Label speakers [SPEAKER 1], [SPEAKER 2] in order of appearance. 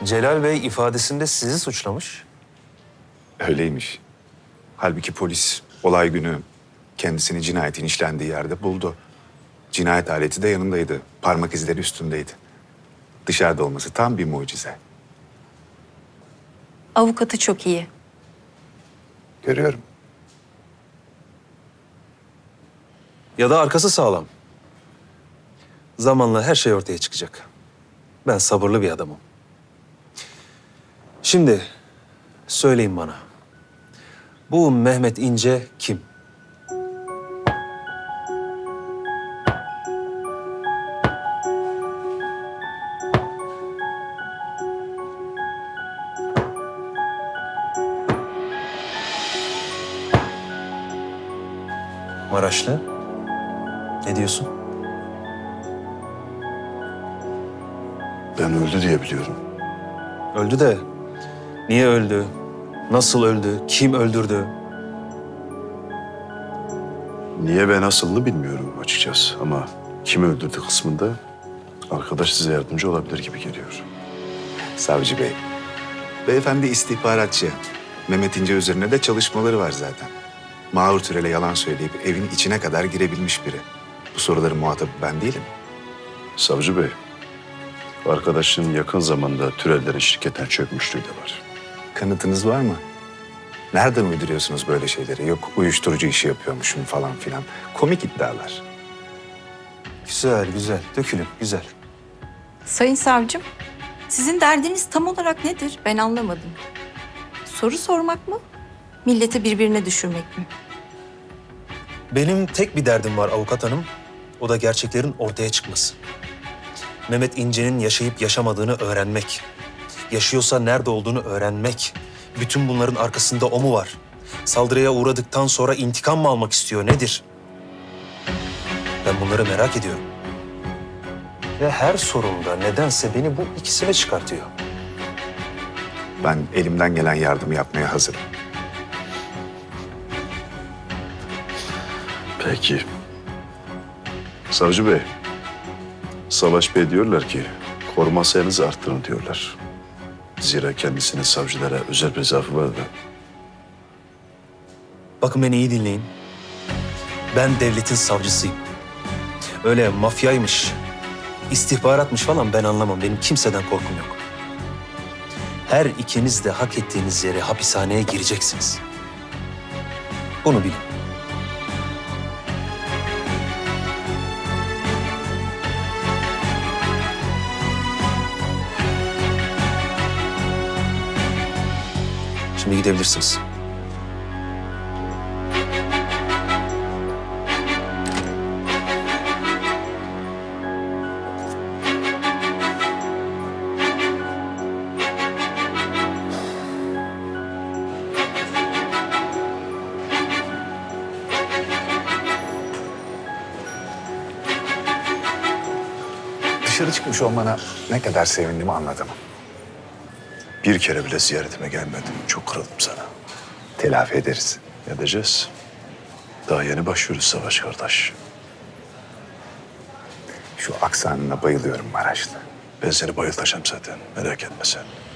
[SPEAKER 1] Celal Bey ifadesinde sizi suçlamış.
[SPEAKER 2] Öyleymiş. Halbuki polis olay günü kendisini cinayetin işlendiği yerde buldu. Cinayet aleti de yanındaydı. Parmak izleri üstündeydi. Dışarıda olması tam bir mucize.
[SPEAKER 3] Avukatı çok iyi.
[SPEAKER 2] Görüyorum.
[SPEAKER 1] Ya da arkası sağlam. Zamanla her şey ortaya çıkacak. Ben sabırlı bir adamım. Şimdi söyleyin bana. Bu Mehmet İnce kim? Maraşlı. Ne diyorsun?
[SPEAKER 4] Ben öldü diye biliyorum.
[SPEAKER 1] Öldü de niye öldü? Nasıl öldü? Kim öldürdü?
[SPEAKER 4] Niye ve nasılını bilmiyorum açıkçası. Ama kimi öldürdü kısmında arkadaş size yardımcı olabilir gibi geliyor.
[SPEAKER 2] Savcı Bey. Beyefendi istihbaratçı. Mehmet İnce üzerine de çalışmaları var zaten. Mahur Türel'e yalan söyleyip evin içine kadar girebilmiş biri. Bu soruların muhatabı ben değilim.
[SPEAKER 4] Savcı Bey, arkadaşın yakın zamanda Türellerin şirketten çökmüşlüğü de var.
[SPEAKER 2] Kanıtınız var mı? Nereden uyduruyorsunuz böyle şeyleri? Yok uyuşturucu işi yapıyormuşum falan filan. Komik iddialar.
[SPEAKER 1] Güzel, güzel. Dökülün, güzel.
[SPEAKER 3] Sayın savcım, sizin derdiniz tam olarak nedir? Ben anlamadım. Soru sormak mı? Milleti birbirine düşürmek mi?
[SPEAKER 1] Benim tek bir derdim var avukat hanım. O da gerçeklerin ortaya çıkması. Mehmet İnce'nin yaşayıp yaşamadığını öğrenmek. Yaşıyorsa nerede olduğunu öğrenmek. Bütün bunların arkasında o mu var? Saldırıya uğradıktan sonra intikam mı almak istiyor? Nedir? Ben bunları merak ediyorum. Ve her sorumda nedense beni bu ikisine çıkartıyor.
[SPEAKER 2] Ben elimden gelen yardımı yapmaya hazırım.
[SPEAKER 4] Peki. Savcı Bey, Savaş Bey diyorlar ki koruma sayınızı arttırın diyorlar. Zira kendisinin savcılara özel bir zaafı var da.
[SPEAKER 1] Bakın beni iyi dinleyin. Ben devletin savcısıyım. Öyle mafyaymış, istihbaratmış falan ben anlamam. Benim kimseden korkum yok. Her ikiniz de hak ettiğiniz yere hapishaneye gireceksiniz. Bunu bilin. Şimdi gidebilirsiniz.
[SPEAKER 2] Dışarı çıkmış olmana ne kadar sevindim anladım.
[SPEAKER 4] Bir kere bile ziyaretime gelmedin. Çok kırıldım sana.
[SPEAKER 2] Telafi ederiz.
[SPEAKER 4] Edeceğiz. Daha yeni başlıyoruz Savaş kardeş.
[SPEAKER 2] Şu aksanına bayılıyorum Maraşlı.
[SPEAKER 4] Ben seni bayıltacağım zaten. Merak etme sen.